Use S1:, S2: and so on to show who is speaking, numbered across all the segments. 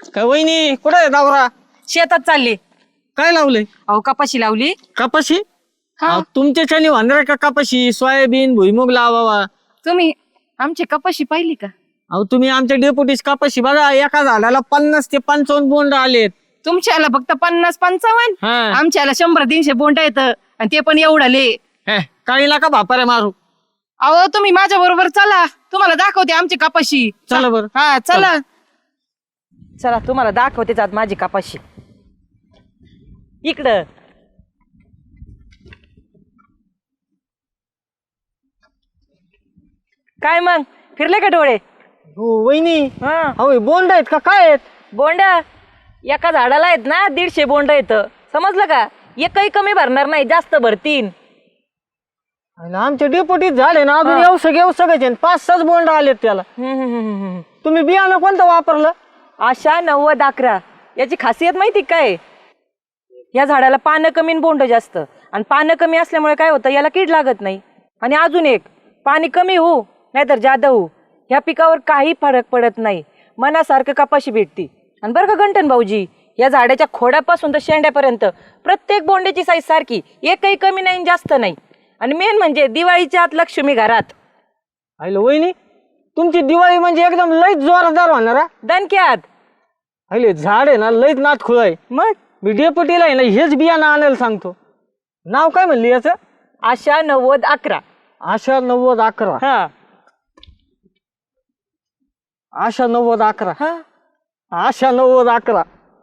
S1: काय वहिनी कुठे आहे दावरा?
S2: शेतात चालली.
S1: काय लावलंय?
S2: अहो कपाशी लावली.
S1: कपाशी?
S2: हा.
S1: तुमच्याच्यानी होणार का कपाशी? सोयाबीन भुईमुग लावावा.
S2: तुम्ही आमची कपाशी पाहिली का?
S1: अहो तुम्ही आमच्या डेपुटीस कपाशी बघा, एका झाडाला 50 ते 55 बोंड आलेत.
S2: तुमच्याला फक्त 50-55,
S1: हा.
S2: आमच्याला 100-300 बोंड येत आणि ते पण एवढाले.
S1: काही नका भापाऱ्या मारू.
S2: अहो तुम्ही माझ्या बरोबर चला, तुम्हाला दाखवते आमची कपाशी.
S1: चला बरं.
S2: हा चला चला, तुम्हाला दाखवते जात माझी कपाशी. इकडं काय मग फिरले का डोळे?
S1: हो वहिनी.
S2: हा
S1: अहो बोंड आहेत का काय आहेत?
S2: बोंड एका झाडाला आहेत ना 150 बोंड येत. समजलं का? एकही कमी भरणार नाही, जास्त भरतीन.
S1: आमच्या डेपुटीत झाले ना अजून येऊ 5-6 बोंड आलेत त्याला. तुम्ही बियाणं कोणतं वापरलं?
S2: आशा 90-11 याची खासियत माहिती काय? या झाडाला पानं कमी आणि बोंड जास्त, आणि पानं कमी असल्यामुळे काय होतं, याला कीड लागत नाही. आणि अजून एक, पाणी कमी होऊ नाहीतर जादा होऊ, ह्या पिकावर काही फरक पडत नाही. मनासारखं कपाशी भेटती. आणि बरं का गंठन भाऊजी, या झाडाच्या खोडापासून तर शेंड्यापर्यंत प्रत्येक बोंड्याची साईज सारखी, एकही कमी नाही जास्त नाही. आणि मेन म्हणजे दिवाळीच्या आत लक्ष्मी घरात.
S1: हॅलो वहिनी, तुमची दिवाळी म्हणजे एकदम लईच जोरदार होणार हा.
S2: दणक्यात.
S1: हॅलो झाड आहे ना लईच नाथ खुळ आहे.
S2: मग
S1: मी डेपुटीला आहे ना हेच बियाणं आणायला सांगतो. नाव काय म्हणली याचं?
S2: आशा 90-11.
S1: आशा 90-11.
S2: हा
S1: आशा 90-11.
S2: हा
S1: आशा 90-11.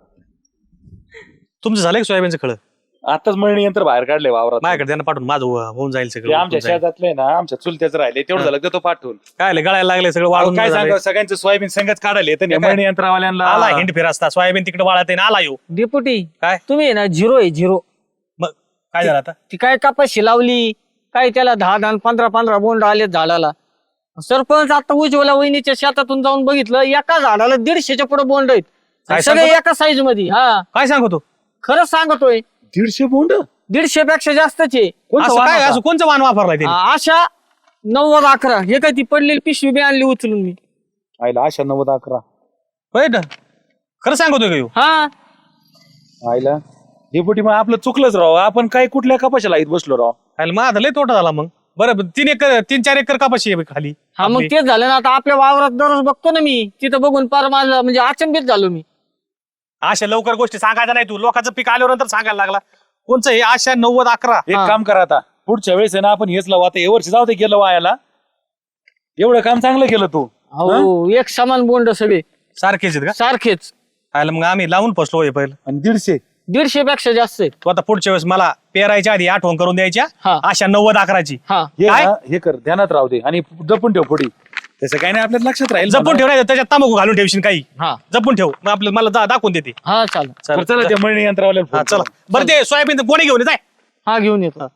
S3: तुमचं झालंय का सोयाबीनचं खळ?
S4: आताच मळणी यंत्र बाहेर काढले वावरात.
S3: माझ्याकडे त्यांना पाठवून माझं होऊन जाईल
S4: ते
S3: सगळं.
S4: आमच्या शेतातले ना, आमच्या चुलत्याच राहिले तेवढं झालं तर तो पाठवून.
S3: काय गळायला लागले सगळं वाळून.
S4: काय सांगा, सगळ्यांचं सोयाबीन संगच काढले तर
S3: काय?
S4: मळणी यंत्रवाल्यांना
S3: आला हिंड फिर असता सोयाबीन तिकडे वाळत आहे ना, आला येऊ.
S1: डेपुटी
S3: काय?
S1: तुम्ही आहे ना झिरो आहे झिरो.
S3: मग काय झालं आता?
S1: ती काय कपाशी लावली काय, त्याला 10 15 बोंड आलेत झाडाला. सरपंच आता उज्ज्वला वहिनीच्या शेतातून जाऊन बघितलं, एका झाडाला 150च्या पुढे बोंड आहेत.
S3: काय
S1: सगळे
S3: सांगतो?
S1: एका साईज मध्ये. हा
S3: काय सांगतो?
S1: खरंच सांगतोय.
S4: 150 बोंड.
S1: 150 पेक्षा जास्तच आहे.
S3: असं काय असं कोणचं वाण वापरलाय ते?
S1: आशा 90-11. हे काय ती पडलेली पिशवी बी आणली उचलून मी.
S4: आईला आशा 90-11.
S3: होय ना? खरं सांगतोय का ह्यो?
S1: हा
S4: आईला डेपुटी मग आपलं चुकलंच राव. आपण काय कुठल्या कपाशाला इथं बसलो राव.
S3: अरे माझा लय तोटा झाला मग. बरं 3-4 एकर कपाशी आहे खाली.
S1: हा मग
S3: आपली.
S1: तेच झालं ना. आता आपल्या वावरात दररोज बघतो ना मी, तिथं बघून पार माझं म्हणजे अचंबित झालो मी.
S3: अशा लवकर गोष्टी सांगायच्या नाही. तू लोकांचं पीक आल्यावर नंतर सांगायला लागला. कोणचं हे आशा 90-11?
S4: एक काम करा आता, पुढच्या वेळेस आहे ना आपण हेच लावू. आता हे वर्षी जाऊ दे, गेलं वायाला. एवढं काम चांगलं केलं तू.
S1: हो एक समान बोंड सगळे
S3: सारखेच आहेत का?
S1: सारखेच.
S3: आयला मग आम्ही लावून फसलो हे पहिलं.
S4: आणि 150.
S1: 150 पेक्षा जास्त आहेत.
S3: तू आता पुढच्या वेळेस मला पेरायच्या आधी आठवण करून द्यायच्या.
S1: हा.
S3: आशा 90-11ची.
S1: हा
S4: हे
S3: काय?
S4: ना, हे कर, ध्यानात राहू दे आणि जपून ठेव पुढे. तसं काही नाही, आपल्या लक्षात राहील.
S3: जपून ठेव, नाही त्याच्यात तंबाखू घालून ठेवशील काही.
S1: हा
S3: जपून ठेव, मग आपलं मला दाखवून देते.
S1: हा चालेल.
S4: बरं, चला त्या मळणी यंत्रवाल्याला
S3: हा
S4: फोन
S3: चला.
S4: करू.
S3: बरं ते सोयाबीन कोणी घेऊन जाय.
S1: हा घेऊन येतो.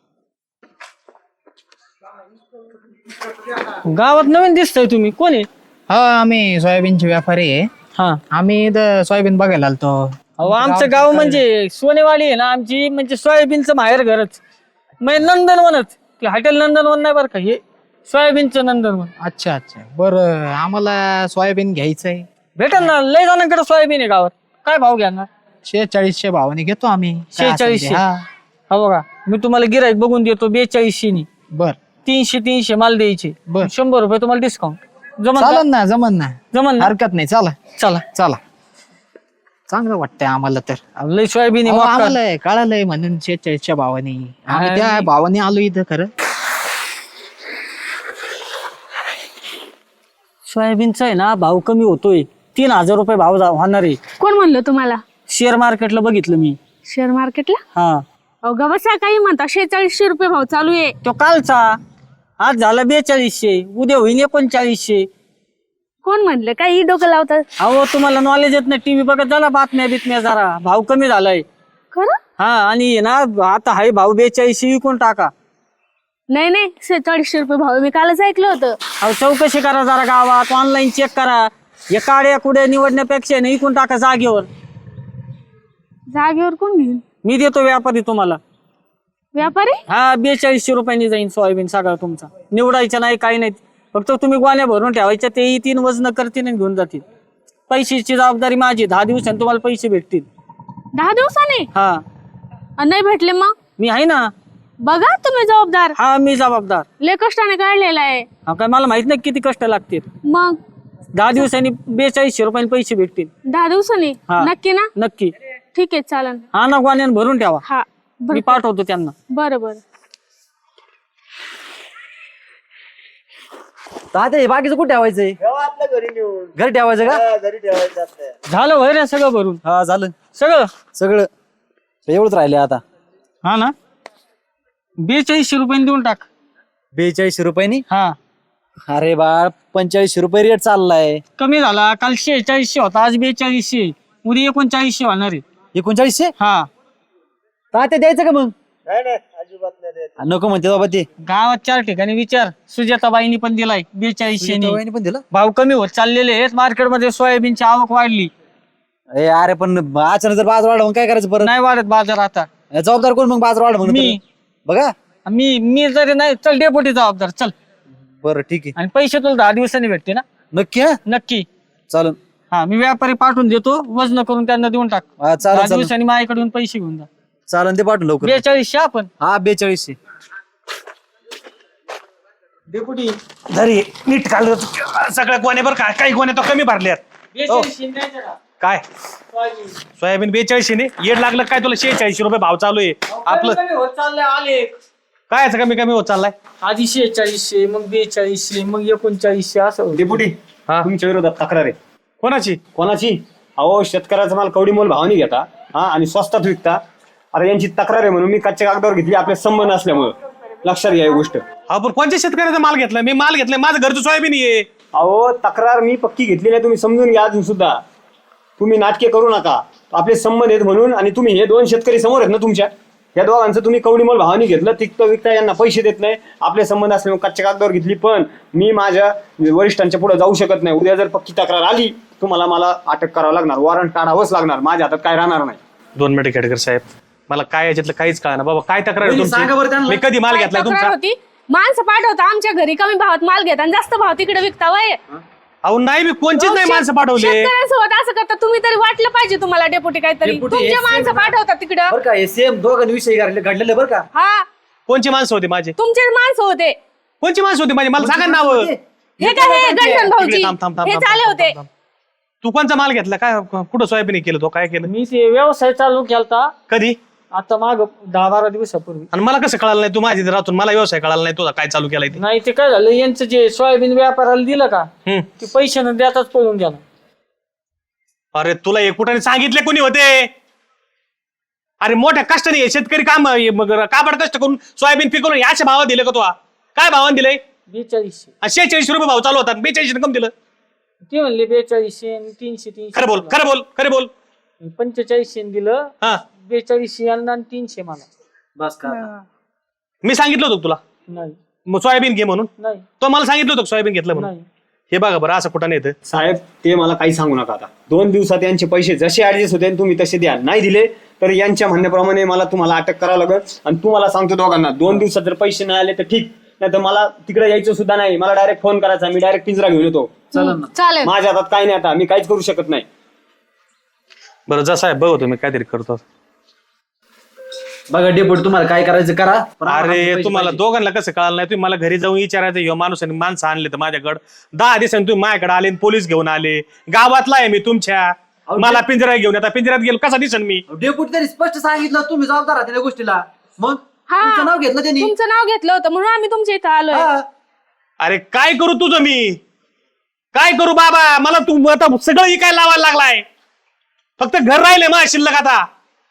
S1: गावात नवीन दिसतंय तुम्ही, कोण आहे?
S5: हा आम्ही सोयाबीनचे व्यापारी आहे.
S1: हा
S5: आम्ही इथं सोयाबीन बघायला आलतो.
S1: अहो आमचं गाव म्हणजे सोनेवाडी आहे ना आमची, म्हणजे सोयाबीनचं माहेर घरच. म्हणजे नंदनवनच. ते हॉटेल नंदनवन नाही बरं का, हे सोयाबीनचं नंदनवन.
S5: अच्छा अच्छा, बरं आम्हाला सोयाबीन घ्यायचंय.
S1: भेटेल ना, लय जणांकडे सोयाबीन आहे गावात. काय भाव घ्याल?
S5: 4600 भावाने घेतो आम्ही. काय असेल ते.
S1: 4600.
S5: हा
S1: हा बघा मी तुम्हाला गिराईक बघून देतो 4200 नी.
S5: बर
S1: 300 माल द्यायचे.
S5: बर.
S1: 100 रुपये तुम्हाला डिस्काउंट. जमन का?
S5: चालन ना, जमन ना,
S1: जमन ना?
S5: हरकत नाही. चला
S1: चला.
S5: चला, चांगलं वाटतंय आम्हाला तर.
S1: अहो, लय सोयाबीन आहे,
S5: अहो,
S1: मका.
S5: आम्हाला कळालंय म्हणून 4600 भावाने आम्ही त्या भावाने आलो इथं. खरं
S1: सोयाबीनचा आहे ना भाव कमी होतोय. 3000 रुपये भाव होणार आहे.
S6: कोण म्हणलं तुम्हाला?
S1: शेअर मार्केटला बघितलं मी.
S6: शेअर मार्केटला?
S1: हा
S6: अवघा बसा, काही म्हणता 4600 रुपये भाव चालू आहे.
S1: तो कालचा. आज झाला 4200, उद्या होईन 3900.
S6: कोण म्हणलं? काही डोकं लावतात?
S1: अहो तुम्हाला नॉलेज येत नाही, टीव्ही बघत झाला, बातम्या बितम्या जरा. भाव कमी झालाय.
S6: खरं?
S1: हा आणि ना आता हाय भाव 4200 विकून टाका.
S6: नाही नाही, 4600 रुपये भाव मी कालच ऐकलं होतं.
S1: अहो चौकशी करा जरा गावात, ऑनलाईन चेक करा. या काड्या कुड्या निवडण्यापेक्षा नाही विकून टाका जागेवर.
S6: जागेवर कोण घेईल?
S1: मी देतो व्यापारी तुम्हाला.
S6: व्यापारी?
S1: हा 4200 रुपयांनी जाईन सोयाबीन सगळा तुमचा. निवडायचं नाही काही नाही, फक्त तुम्ही गोण्या भरून ठेवायच्या, ते 3 वजन करतील आणि घेऊन जातील. पैशाची जबाबदारी माझी. 10 दिवसांनी तुम्हाला पैसे भेटतील.
S6: 10 दिवसांनी
S1: हा
S6: आणि नाही भेटले मग?
S1: मी आहे ना.
S6: बघा तुम्ही जबाबदार,
S1: हा मी जबाबदार.
S6: लय कष्टाने काढलेला आहे.
S1: हा काय मला माहित नाही किती कष्ट लागतील.
S6: मग
S1: 10 दिवसांनी 4200 रुपयाने पैसे भेटतील.
S6: 10 दिवसांनी
S1: हा.
S6: नक्की ना?
S1: नक्की.
S6: ठीक आहे चालन.
S1: हा ना गोण्याने भरून ठेवा.
S6: हा
S1: मी पाठवतो त्यांना.
S6: बरं बरं.
S7: तात्या हे बाकीचं कुठे ठेवायचंय? घरी ठेवायचं का?
S1: झालं होय रे सगळं भरून?
S7: हा झालं
S1: सगळं.
S7: सगळं. एवढंच राहिले आता.
S1: हा ना 4200 रुपयाने देऊन टाक.
S7: 42 रुपयांनी?
S1: हा
S7: अरे बाळ 45 रुपये रेट चाललाय.
S1: कमी झाला. काल 4600 होता, आज 4200. उद्या 3900 होणार आहे.
S7: 3900?
S1: हा
S7: तात्या द्यायचं का मग? नको म्हणते बाबा ते.
S1: गावात 4 ठिकाणी विचार. सुजाताबाईंनी पण दिलाय 4200
S7: वहिनी पण दिलं.
S1: भाव कमी होत चाललेले आहेत. मार्केटमध्ये सोयाबीनची आवक वाढली.
S7: अरे पण अचानक जर बाजार वाढ मग काय करायचं परत?
S1: नाही वाढत बाजार आता.
S7: जबाबदार कोण मग बाजार वाढ म्हणून?
S1: मी.
S7: बघा.
S1: मी जरी नाही चल डेपोटी जबाबदार. चल.
S7: बरं ठीक आहे.
S1: आणि पैसे तुला 10 दिवसांनी भेटते ना?
S7: नक्की? हा
S1: नक्की.
S7: चालन.
S1: हा मी व्यापारी पाठवून देतो. वजन करून त्यांना देऊन टाक.
S7: हा,
S1: 10
S7: चालन
S1: दिवसांनी माझ्याकडून पैसे घेऊन जा.
S7: चालन ते पाठवून लवकर.
S1: 4200 आपण.
S7: हा 4200.
S1: डेपुटी
S3: जरी नीट काढलं सगळ्या गोण्या बरं का, काही गोण्या तो कमी भरल्यात.
S1: 4200 द्यायचं का?
S3: काय
S1: सोयाबीन.
S3: सोयाबीन 4200 ने येड लागलं काय तुला? 46 रुपये भाव चालू आहे आपलं.
S1: कमी होत चाललंय आले.
S3: काय याचं कमी कमी होत चाललाय?
S1: आधी 4600 मग 4200 मग 3900 असं होतं.
S8: डेपुटी
S3: हा.
S8: तुमच्या विरोधात तक्रार आहे.
S3: कोणाची?
S8: कोणाची? अहो शेतकऱ्याचा माल कवडी मोल भावाने घेता हा आणि स्वस्तात विकता. अरे यांची तक्रार आहे म्हणून मी कच्च्या कागदावर घेतली आपले संबंध असल्यामुळं. लक्षात घ्या ही गोष्ट.
S3: अहो पण कोणत्या शेतकऱ्याचा माल घेतलाय? मी माल घेतलाय, माझं घरचं सोयाबीन आहे.
S8: अहो तक्रार मी पक्की घेतली नाही, तुम्ही समजून घ्या अजून सुद्धा. तुम्ही नाटके करू नका. आपले संबंध आहेत म्हणून. आणि तुम्ही हे 2 शेतकरी समोर आहेत ना तुमच्या, या दोघांचं तुम्ही कवडी मोल भावाने घेतलं. तिकतं विकता यांना पैसे देत नाही. आपले संबंध असल्यामुळे कच्च्या कागदावर घेतली. पण मी माझ्या वरिष्ठांच्या पुढे जाऊ शकत नाही. उद्या जर पक्की तक्रार आली तुम्हाला मला अटक करावं लागणार. वॉरंट काढावंच लागणार. माझ्या हातात काय राहणार नाही.
S3: 2 मिनिटं खेडकर साहेब, मला काय याच्यातलं काहीच कळणार बाबा. काय तक्रार आहे
S7: सांगा बरं
S3: तुमची?
S7: त्यांना.
S3: मी कधी माल
S6: काय
S3: घेतलाय
S6: तक्रार
S3: तुमचा?
S6: होती? माणसं पाठवता आमच्या घरी, कमी भावात माल घेता आणि जास्त भाव तिकडे विकता वय.
S3: अहो नाही, मी कोणचीच नाही माणसं पाठवले.
S6: शेतकऱ्यांसोबत असं करता तुम्ही, तरी वाटलं पाहिजे तुम्हाला डेपुटी काहीतरी.
S7: डेपुटी,
S6: तुमचे
S7: हे
S6: माणसं पाठवता तिकडं.
S7: बरं का हे सेम दोघांविषयी घडलेलं बरं का?
S6: हा
S3: कोणची माणसं होती माझी?
S6: तुमचेच माणसं होते.
S3: कोणची माणसं होती माझी? मला सांगा ना नाव.
S6: हे काय हे गंठन भाऊजी
S3: थांब, थांब, थांब,
S6: हे
S3: थांब,
S6: चाले
S3: थांब,
S6: होते.
S3: थांब. तू कोणचा माल घेतला? काय कुठं सोयाबीन केलं? तो काय केलं?
S1: मी ते व्यवसाय चालू केलता
S3: कधी?
S1: आता माग 10-12 दिवसापूर्वी.
S3: आणि मला कसं कळालं नाही? तू माझी इथे राहतून मला व्यवसाय कळाला नाही तुझा काय चालू केलाय ते?
S1: नाही ते काय झालं, यांचं जे सोयाबीन व्यापाराला दिलं का
S3: हम्म.
S1: ते पैसे न देताच पळून गेला.
S3: अरे तुला एकूटाने सांगितले कोणी होते? अरे मोठ्या कष्टाने हे शेतकरी काम मग काबड कष्ट करून सोयाबीन पिकवून अशा भावात दिले का? तू काय भावाने दिलंय?
S1: 4200.
S3: 46 रुपये भाव चालू होता, 42 कम दिलं.
S1: ते म्हणले 4200 आणि 300.
S3: खरं बोल, खरं बोल, खरं बोल.
S1: 4500 दिलं.
S3: हा
S1: 4200 यांना आणि 300 मला.
S7: बस का?
S3: मी सांगितलं होतं तुला
S1: नाही
S3: मग सोयाबीन घे म्हणून?
S1: नाही
S3: तो मला सांगितलं होतं सोयाबीन घेतलं म्हणून.
S1: नाही.
S3: हे बघा बरं असं कुठं नाही येतं.
S8: साहेब ते मला काही सांगू नका आता. 2 दिवसात यांचे पैसे जसे ऍडजस्ट होते तुम्ही तसे द्या. नाही दिले तर यांच्या म्हणण्याप्रमाणे मला तुम्हाला अटक करावं लागेल. आणि तुम्हाला सांगतो दोघांना 2 दिवसात जर पैसे नाही आले तर ठीक, नाही तर मला तिकडे यायचं सुद्धा नाही. मला डायरेक्ट फोन करायचा, मी डायरेक्ट पिंजरा घेऊन येतो.
S6: चालेल.
S8: माझ्या हातात काय नाही आता, मी काहीच करू शकत नाही.
S3: बरं जसा आहे बघ तुम्ही काहीतरी करतो.
S7: बघा डेपुटी तुम्हाला काय करायचं करा. पण आम्हाला
S3: अरे
S7: पैसे
S3: तुम्हाला
S7: पाहिजे.
S3: दोघांना कसं कळालं नाही? तुम्ही मला घरी जाऊन विचारायचं, ह्यो माणूस आणि माणसं आणले तर माझ्याकडे 10 दिवसांनी तुम्ही माझ्याकडे आले आणि पोलीस घेऊन आले. गावातला आहे मी तुमच्या, मला पिंजरा घेऊन आता पिंजऱ्यात गेलो कसा दिसन मी?
S7: डेपुटी त्यांनी स्पष्ट सांगितलं तुम्ही जबाबदार आहात त्या गोष्टीला. मग
S6: हा.
S7: तुमचं नाव घेतलं त्यांनी.
S6: तुमचं नाव घेतलं होतं म्हणून आम्ही तुमच्या इथं आलोय.
S7: हा.
S3: अरे काय करू तुझं मी? काय करू बाबा? मला तू आता सगळं इकायला लावायला लागलाय. फक्त घर राहिले मग शिल्लक आता.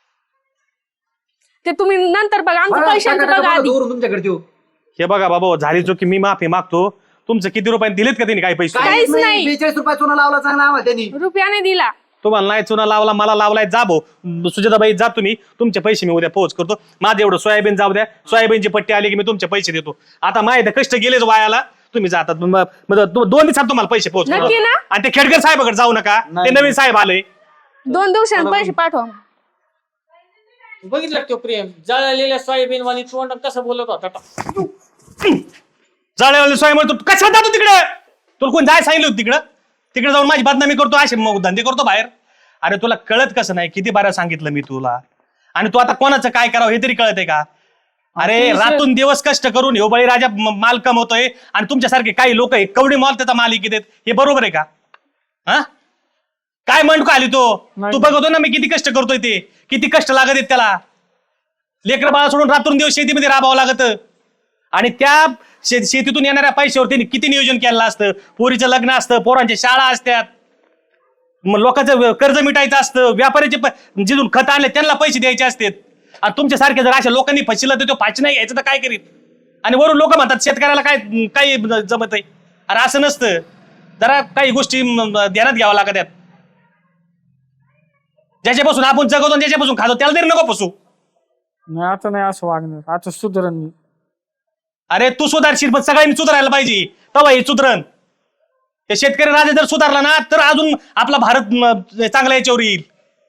S6: ते तुम्ही नंतर बघा, आमचं
S7: बघा,
S6: पैशांचं
S7: टाका,
S6: बघा
S7: टाका,
S6: आधी.
S7: दोरून तुमच्याकडे देऊ.
S3: हे बघा बाबा झाली चुकी, मी माफी मागतो. तुमचं किती रुपयाने दिलेत का त्यांनी काही पैसे?
S6: काहीच नाही.
S7: 42 रुपये चुना लावला चांगला आम्हाला त्यांनी.
S6: रुपयाने दिला.
S3: तुम्हाला नाही चुना लावला, मला लावलाय. जा भाऊ सुजाताबाई जा तुम्ही, तुमचे पैसे मी उद्या पोहोच करतो. माझं एवढं सोयाबीन जाऊ द्या. सोयाबीनची पट्टी आली की मी तुमचे पैसे देतो. आता माहिती कष्ट गेलेच वायाला. तुम्ही जातात 2 दिवसात तुम्हाला पैसे पोहोच करतो.
S6: नक्की ना?
S3: आणि ते खेडकर साहेबाकडे जाऊ नका, ते नवीन साहेब आले.
S6: 2 दिवसांनी पैसे पाठवा.
S1: बघितलं तो प्रेम जळलेल्या सोयाबीन वाली तोंड कसं बोलत होता.
S3: जाळेवाले सोय म्हणतो कशाला जातो तिकडे? तुला कोण जाय सांगितलं होतं तिकडं? तिकडे जाऊन माझी बदनामी करतो, असे मग धंदे करतो बाहेर. अरे तुला कळत कसं नाही? किती बारा सांगितलं मी तुला. आणि तू आता कोणाचं काय करावं हे तरी कळत आहे का? अरे रातून दिवस कष्ट करून ह्यो बळीराजा माल कमवतोय आणि तुमच्यासारखे काही लोक कवडी मॉल त्याचा मालिकी देत, हे बरोबर आहे का? हा काय म्हणतो आली तो? तू बघतो ना मी किती कष्ट करतोय, ते किती कष्ट लागत आहेत त्याला. लेकर बाळा सोडून रात्र दिवस शेतीमध्ये राबावं लागत. आणि त्या शेतीतून येणाऱ्या पैशावर त्यांनी किती नियोजन केलं असतं. पोरीचं लग्न असतं, पोरांच्या शाळा असतात, मग लोकांचं कर्ज मिटायचं असतं, व्यापाऱ्याचे जिथून खत आणले त्यांना पैसे द्यायचे असतात. आणि तुमच्यासारखे जर अशा लोकांनी फसिलं तर तो फाशी नाही घ्यायचं तर काय करीत? आणि वरून लोक म्हणतात शेतकऱ्याला काय काही जमत आहे. अरे असं नसतं. जरा काही गोष्टी ध्यानात घ्यावं लागतात. ज्याच्यापासून आपण जगवतो आणि ज्याच्यापासून खातो त्याला तरी नको फसू.
S1: नाही आता नाही असं वागणार, आता सुधरण मी.
S3: अरे तू सुधारशील पण सगळ्यांनी सुधारायला पाहिजे, तेव्हा हे सुधरण. हे शेतकरी राजा जर सुधारला ना तर अजून आपला भारत चांगला याच्यावर येईल.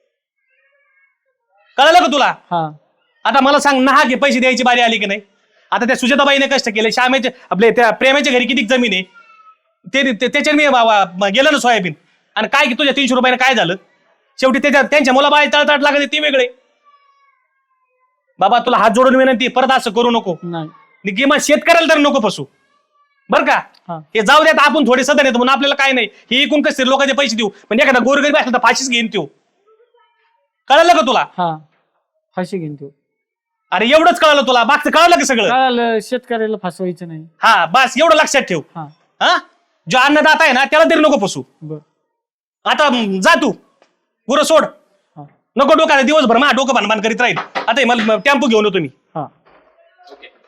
S3: कळलं का तुला?
S1: हा
S3: आता मला सांग, नाहा घे पैसे द्यायची बारी आली की नाही? आता त्या सुजाताबाईने कष्ट केले, श्यामेचे आपले त्या प्रेमाच्या घरी किती जमीन आहे, त्याच्याने मी गेलं ना सोयाबीन. आणि काय की तुझ्या 300 रुपयाने काय झालं? शेवटी त्यांच्या मुलाबाई तळतळ लागत ते वेगळे. बाबा तुला हात जोडून विनंती, परत असं करू नको.
S1: नाही
S3: किंवा शेतकऱ्याला तर नको फसू, बर का? हे जाऊ द्यात, आपण थोडे सदन येतो म्हणून आपल्याला काय नाही, हे एकूण कसं लोकांचे पैसे देऊ. म्हणजे एखादा गोरगरीब असला तर फाशीच घेईन तो. कळलं का तुला?
S1: हा फाशी घेईन तू.
S3: अरे एवढंच कळलं तुला? मागचं कळलं का सगळं?
S1: कळालं, शेतकऱ्याला फसवायचं नाही.
S3: हा बस एवढं लक्षात ठेव.
S1: हा
S3: हा जो अन्नदाता आहे ना त्याला तरी नको फसू.
S1: बर
S3: आता जा तू, गुरं सोड.
S1: हा.
S3: नको डोका दिवसभर मा डोकं भानभान करीत राहील. आता मला टेम्पो घेऊन येतो मी.
S1: हा
S3: ओके.